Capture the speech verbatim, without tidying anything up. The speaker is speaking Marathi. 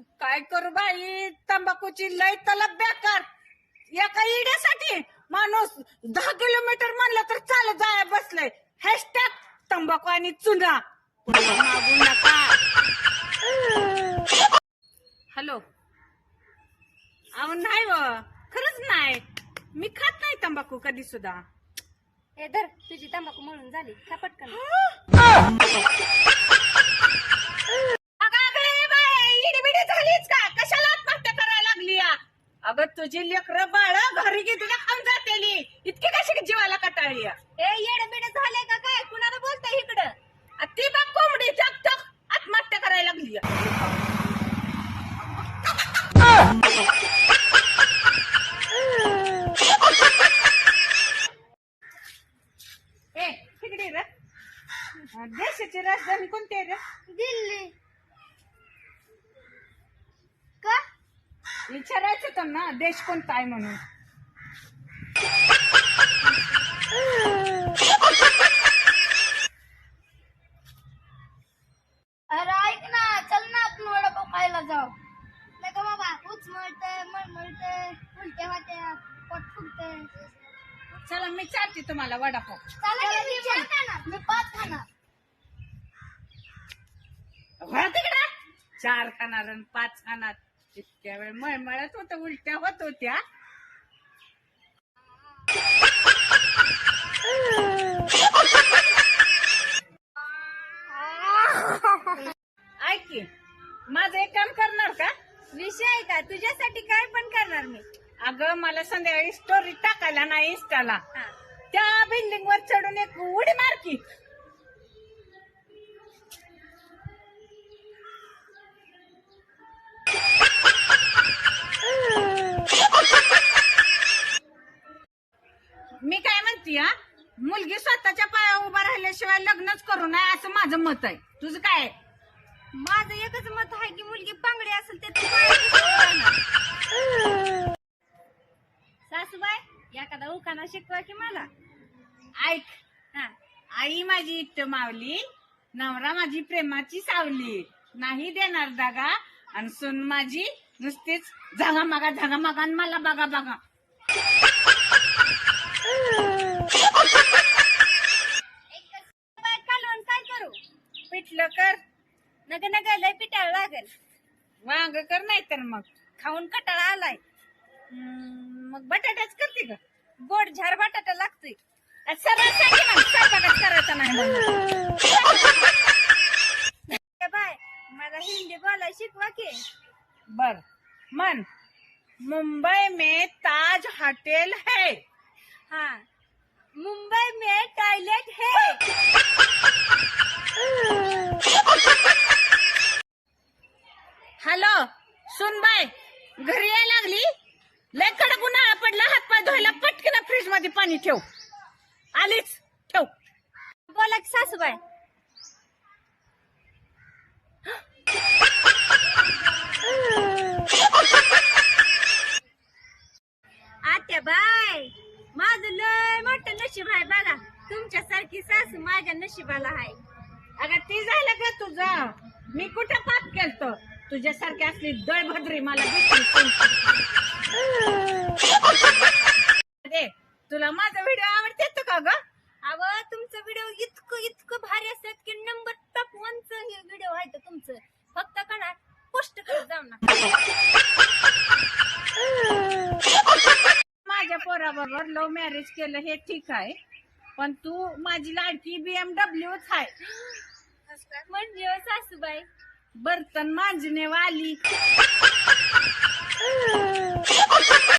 काय करू बाई, तंबाखूची लय तलब बेकार. एका इड्यासाठी माणूस दहा किलोमीटर म्हणलं तर चालत जाया बसलंय. हॅशटॅग तंबाखू आणि चुना. मागू नका. हॅलो. अहो नाही व, खरंच नाही. मी खात नाही तंबाखू कधी सुद्धा. हे धर, तुझी तंबाखू म्हणून झाली का पटकन. इडीबिडी झालीच का? कशाला आत्महत्या करायला लागली या? अगं तुझी लेकरं बाळ घरी घेतली खाऊन जातेली, इतकी कशी जीवाला कटाळी या? ए येडबिड झाले का काय? कुणाला बोलताय इकडं? आ, ती बघ कोंबडी टक टक आत्महत्या करायला लागली या. ए तिकडे रे. देशाची राजधानी कोणती आहे रे? दिल्ली. का? विचारायचं तर ना देश कोणता आहे म्हणून. अरे ऐक ना, चल ना आपण वडापाव खायला जाऊ. नाही का बाबा, उच मळतंय मळमळतंय, उलट्या होत्या, पोट फुगतंय. चला मी चालते तुम्हाला वडापाव. मी पाच खाणार. हो तिकडे चार खाणार आणि पाच खाणार. इतक्या वेळ मळमळत होत, उलट्या होत होत्या. ऐक की, माझं एक काम करणार का? विषय आहे का? तुझ्यासाठी काय पण करणार मी. अगं मला संध्याकाळी स्टोरी टाकायला नाही इंस्टाला. हा. त्या बिल्डिंग वर चढून एक उडी मार की. मी काय म्हणते, हा मुलगी स्वतःच्या पायावर उभा राहिल्याशिवाय लग्नच करू नये असं माझं मत आहे. तुझं काय आहे? माझं एकच मत आहे की मुलगी पांगडी असेल ते तू पायावर. सासूबाई एखादा उखाणा शिकवा की मला. ऐक, हा. आई माझी इष्ट मावली, नवरा माझी प्रेमाची सावली, नाही देणार दागा, आणि सून माझी नुसतीच झागा मागा झागा मागा आणि मला बघा बघा. कालवण काय करू? पिठलं कर, नग नग लय पिटाळ लागेल. वांग कर, नाही तर मग खाऊन कटाळा आलाय. हम्म, मग बटाट्याच करते का? गोड झार बटाटा लागतोय. सरळ सांगे ना, स्वयंपाकच करायचा नाही म्हणून. ए बाय, मला हिंदी बोलाय शिकवा की. बर मन. मुंबई में ताज होटल है. हा. मुंबई में टॉयलेट है. हॅलो सुनबाई, घरी यायला लागली? लय कडक उन्हाळा पडला, हातपाय धुवायला पटकन फ्रीज मध्ये पाणी ठेव. आलीच, ठेव. बोला की सासूबाई. आत्या बाय, माझं लय मोठं नशीब आहे बघा. तुमच्यासारखी सासू माझ्या नशिबाला आहे. अगं ती झालं का तुझं? मी कुठं पाप केलतो? तुझ्यासारखी असली दळभद्री मला भेटली. दे, तुला माझा व्हिडिओ आवडते का ग? अव तुमचं व्हिडिओ इतकं इतकं भारी असतात की नंबर टॉप वनच हे व्हिडिओ आहे तर तुमचं. फक्त कणा पोस्ट करत जाऊ ना. माझ्या पोराबरोबर लव्ह मॅरेज केलं हे ठीक आहे, पण तू माझी लाडकी बीएमडब्ल्यूच आहे. म्हणजे हो सासूबाई, बर्तन मांजने वाली.